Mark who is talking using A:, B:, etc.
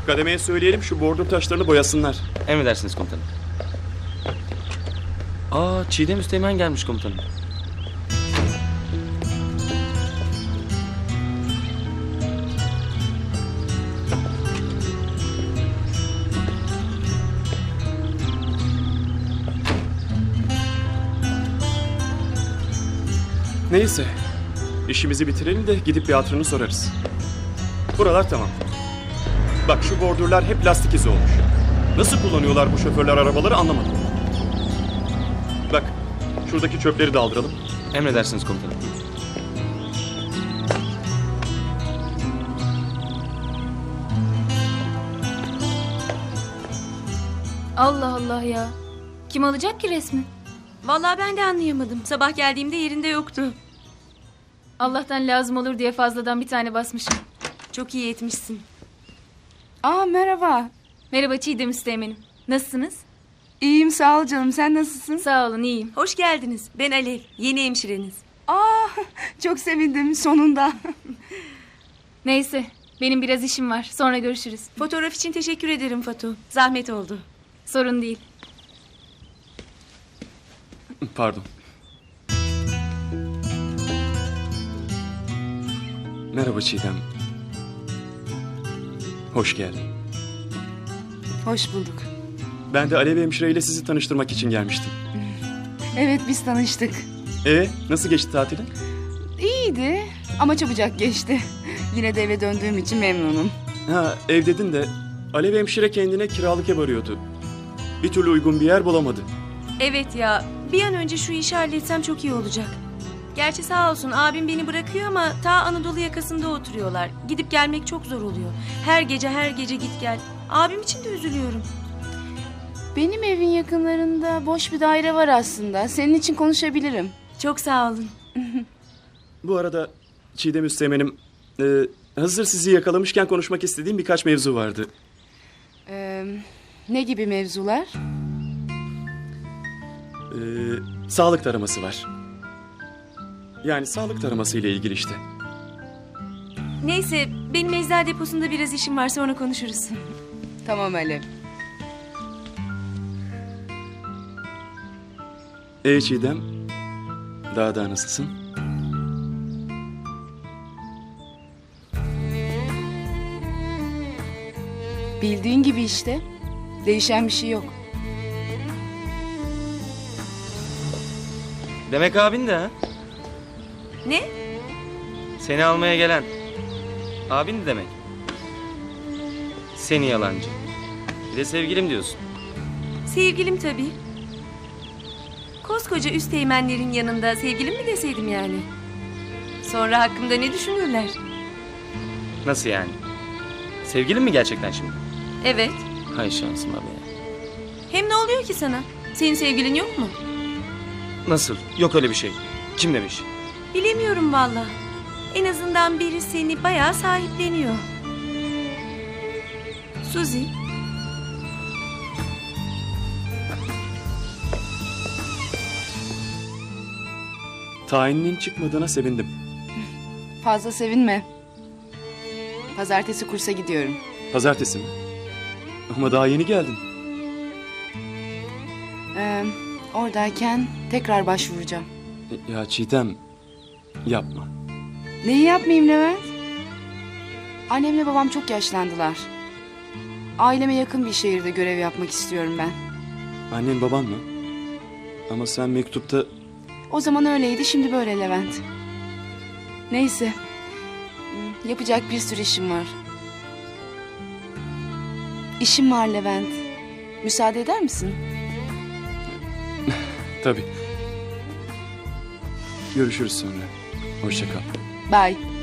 A: Kademeye söyleyelim şu bordür taşlarını boyasınlar.
B: Emredersiniz komutanım. Çiğdem Üsteğmen gelmiş komutanım.
A: Neyse. İşimizi bitirelim de gidip bir hatırını sorarız. Buralar tamam. Bak şu bordürler hep lastik izi olmuş. Nasıl kullanıyorlar bu şoförler arabaları anlamadım. Bak şuradaki çöpleri de aldıralım.
B: Emredersiniz komutanım.
C: Allah Allah ya. Kim alacak ki resmi?
D: Vallahi ben de anlayamadım. Sabah geldiğimde yerinde yoktu.
C: Allah'tan lazım olur diye fazladan bir tane basmışım.
D: Çok iyi etmişsin.
E: Merhaba.
C: Merhaba Çiğdem Üsteğmen'im. Nasılsınız?
E: İyiyim sağ ol canım. Sen nasılsın?
C: Sağ olun iyiyim.
D: Hoş geldiniz. Ben Alev. Yeni hemşireniz.
E: Çok sevindim sonunda.
C: Neyse benim biraz işim var. Sonra görüşürüz.
D: Fotoğraf için teşekkür ederim Fatu. Zahmet oldu.
C: Sorun değil.
A: Pardon. Merhaba Çiğdem. Hoş geldin.
E: Hoş bulduk.
A: Ben de Alev hemşire ile sizi tanıştırmak için gelmiştim.
E: Evet biz tanıştık.
A: Nasıl geçti tatilin?
E: İyiydi ama çabucak geçti. Yine de eve döndüğüm için memnunum.
A: Ev dedin de Alev hemşire kendine kiralık ev arıyordu. Bir türlü uygun bir yer bulamadı.
D: Evet ya. Bir an önce şu işi halletsem çok iyi olacak. Gerçi sağ olsun abim beni bırakıyor ama ta Anadolu yakasında oturuyorlar. Gidip gelmek çok zor oluyor. Her gece git gel. Abim için de üzülüyorum.
E: Benim evin yakınlarında boş bir daire var aslında. Senin için konuşabilirim.
D: Çok sağ olun.
A: Bu arada Çiğdem Üsteğmen'im, hazır sizi yakalamışken konuşmak istediğim birkaç mevzu vardı.
E: Ne gibi mevzular?
A: Sağlık taraması var. Yani sağlık taraması ile ilgili işte.
D: Neyse benim eczacı deposunda biraz işim var sonra konuşuruz.
E: Tamam Alev.
A: Çiğdem, daha nasılsın?
E: Bildiğin gibi işte. Değişen bir şey yok.
B: Demek abin de ha?
D: Ne?
B: Seni almaya gelen. Abin de demek. Seni yalancı. Bir de sevgilim diyorsun.
D: Sevgilim tabii. Koskoca üsteğmenlerin yanında sevgilim mi deseydim yani? Sonra hakkımda ne düşünürler?
B: Nasıl yani? Sevgilin mi gerçekten şimdi?
D: Evet.
B: Hay şansıma be.
D: Hem ne oluyor ki sana? Senin sevgilin yok mu?
B: Nasıl? Yok öyle bir şey. Kim demiş?
D: Bilemiyorum valla. En azından biri seni bayağı sahipleniyor. Suzi.
A: Tayininin çıkmadığına sevindim.
E: Fazla sevinme. Pazartesi kursa gidiyorum.
A: Pazartesi mi? Ama daha yeni geldin.
E: Oradayken tekrar başvuracağım.
A: Ya Çiğdem, yapma.
E: Neyi yapmayayım Levent? Annemle babam çok yaşlandılar. Aileme yakın bir şehirde görev yapmak istiyorum ben.
A: Annen baban mı? Ama sen mektupta...
E: O zaman öyleydi, şimdi böyle Levent. Neyse. Yapacak bir sürü işim var. İşim var Levent. Müsaade eder misin?
A: Tabii. Görüşürüz sonra. Hoşça kal.
E: Bye.